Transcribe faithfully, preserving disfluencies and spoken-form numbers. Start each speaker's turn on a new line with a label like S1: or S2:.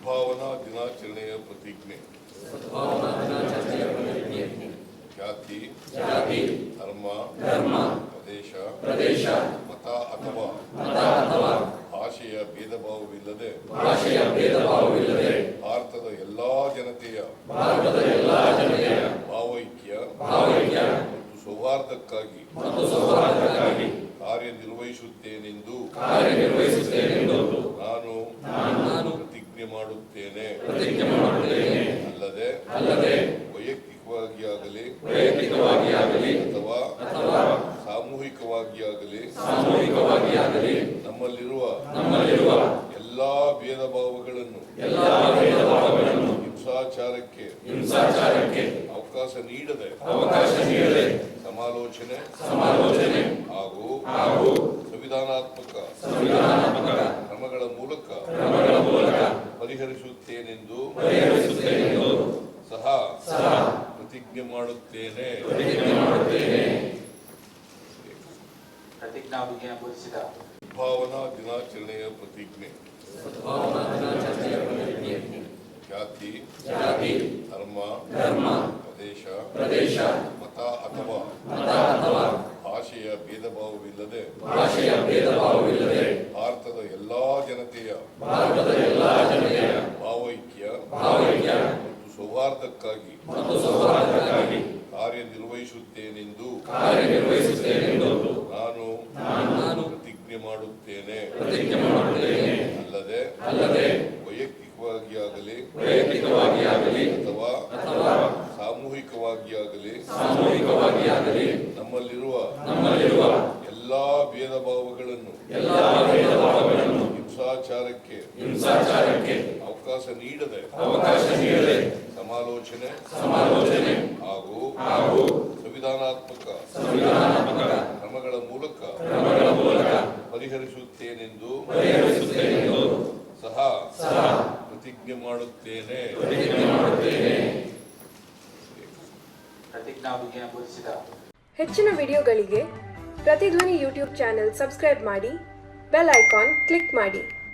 S1: ಸದ್ಭಾವನಾ ದಿನಾಚರಣೆಯ ಪ್ರತಿಜ್ಞೆ. ಜಾತಿ, ಧರ್ಮ, ಪ್ರದೇಶ, ಪ್ರದೇಶ ಮತ ಅಥವಾ ಭಾಷೆಯ ಭೇದ ಭಾವವಿಲ್ಲದೆ ಭಾರತದ ಎಲ್ಲಾ ಜನತೆಯ ಭಾವೈಕ್ಯ ಮತ್ತು ಸೌಹಾರ್ದಕ್ಕಾಗಿ ಕಾರ್ಯನಿರ್ವಹಿಸುತ್ತೇನೆಂದು ನಾನು ಪ್ರತಿಜ್ಞೆ ಮಾಡುತ್ತೇನೆ. ಅಲ್ಲದೆ ವೈಯಕ್ತಿಕವಾಗಿ ಆಗಲಿ ಅಥವಾ ಸಾಮೂಹಿಕವಾಗಿ ಆಗಲಿ ನಮ್ಮಲ್ಲಿರುವ ಎಲ್ಲಾ ಭೇದ ಭಾವಗಳನ್ನು ಹಿಂಸಾಚಾರಕ್ಕೆ ಅವಕಾಶ ನೀಡದೆ ಸಮಾಲೋಚನೆ ಹಾಗೂ ಸಂವಿಧಾನಾತ್ಮಕ ಕ್ರಮಗಳ ಮೂಲಕ ಪರಿಹರಿಸುತ್ತೇನೆಂದು ಸಹ ಪ್ರತಿಜ್ಞೆ ಮಾಡುತ್ತೇನೆ. ಸದ್ಭಾವನಾ ದಿನಾಚರಣೆಯ ಪ್ರತಿಜ್ಞೆ. ಜಾತಿ, ಧರ್ಮ, ಪ್ರದೇಶ, ಮತ ಅಥವಾ ಭಾಷೆಯ ಭೇದ ಭಾವವಿಲ್ಲದೆ ಭಾರತದ ಎಲ್ಲಾ ಜನತೆಯ ಭಾವೈಕ್ಯ ಮತ್ತು ಸೌಹಾರ್ದಕ್ಕಾಗಿ ಕಾರ್ಯನಿರ್ವಹಿಸುತ್ತೇನೆಂದು ನಾನು ಪ್ರತಿಜ್ಞೆ ಮಾಡುತ್ತೇನೆ. ಅಲ್ಲದೆ ವೈಯಕ್ತಿಕವಾಗಿ ಆಗಲಿ ಅಥವಾ ಸಾಮೂಹಿಕವಾಗಿ ಆಗಲಿ ನಮ್ಮಲ್ಲಿರುವ ಎಲ್ಲಾ ಭೇದ ಭಾವಗಳನ್ನು ಹಿಂಸಾಚಾರಕ್ಕೆ ಅವಕಾಶ ನೀಡದೆ ಸಮಾಲೋಚನೆ ಹಾಗೂ ಸಂವಿಧಾನಾತ್ಮಕ ಕ್ರಮಗಳ ಮೂಲಕ ಪರಿಹರಿಸುತ್ತೇನೆಂದು ಸಹ ಪ್ರತಿಜ್ಞೆ ಮಾಡುತ್ತೇನೆ.
S2: ಹೆಚ್ಚಿನ ವಿಡಿಯೋಗಳಿಗೆ ಪ್ರತಿಧ್ವನಿ ಯೂಟ್ಯೂಬ್ ಚಾನೆಲ್ ಸಬ್ಸ್ಕ್ರೈಬ್ ಮಾಡಿ, ಬೆಲ್ ಐಕಾನ್ ಕ್ಲಿಕ್ ಮಾಡಿ.